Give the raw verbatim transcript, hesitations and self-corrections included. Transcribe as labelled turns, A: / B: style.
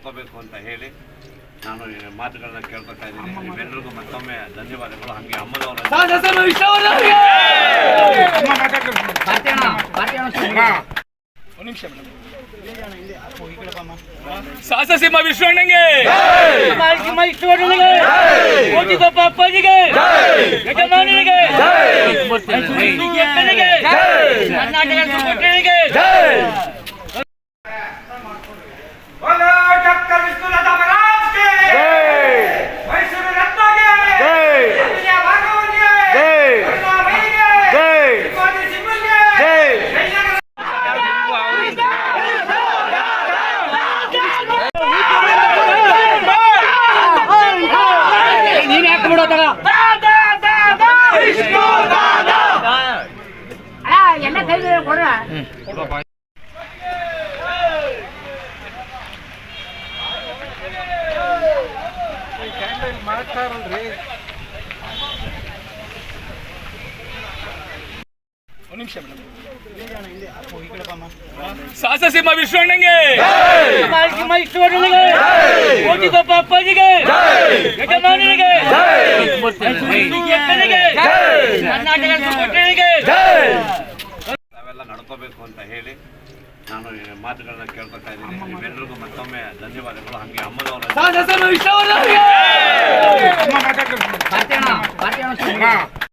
A: ನಡ್ಕೋಬೇಕು ಅಂತ ಹೇಳಿ ನಾನು ಈ ಮಾತುಗಳನ್ನ ಕೇಳ್ಕೊತಾ ಇದ್ದೀನಿ. ನಿಮ್ಮೆಲ್ಲರಿಗೂ ಮತ್ತೊಮ್ಮೆ ಧನ್ಯವಾದಗಳು. ಹಾಗೆ ಅಮ್ಮನವರ
B: ಸಾಹಸಸಿಂಹ ವಿಶ್ವಣ್ಣಂಗೆ, ಕೋಟಿಗೊಬ್ಬ ಅಪ್ಪಾಜಿಗೆ, ಯಜಮಾನನಿಗೆ, ಅಕ್ಕನಿಗೆ, ಕರ್ನಾಟಕ ಸುಪುತ್ರನಿಗೆ
C: ಎಲ್ಲ ಕೈ ಕೊಡ ಮಾಡ್ತಾರಲ್ರಿ.
B: ಸಾಹಸಸಿಂಹ ವಿಶ್ವಣ್ಣಂಗೆ, ಕೋಟಿಗೊಬ್ಬ ಅಪ್ಪಾಜಿಗೆ, ಯಜಮಾನನಿಗೆ, ಅಕ್ಕನಿಗೆ, ಕರ್ನಾಟಕ ಸುಪುತ್ರನಿಗೆ
A: ನಾವೆಲ್ಲ ನಡ್ಕೋಬೇಕು ಅಂತ ಹೇಳಿ ನಾನು ಈ ಮಾತುಗಳನ್ನ ಕೇಳ್ಕೊತಾ ಇದ್ದೀನಿ. ನಿಮ್ಮೆಲ್ಲರಿಗೂ ಮತ್ತೊಮ್ಮೆ ಧನ್ಯವಾದಗಳು. ಹಾಗೆ ಅಮ್ಮನವರ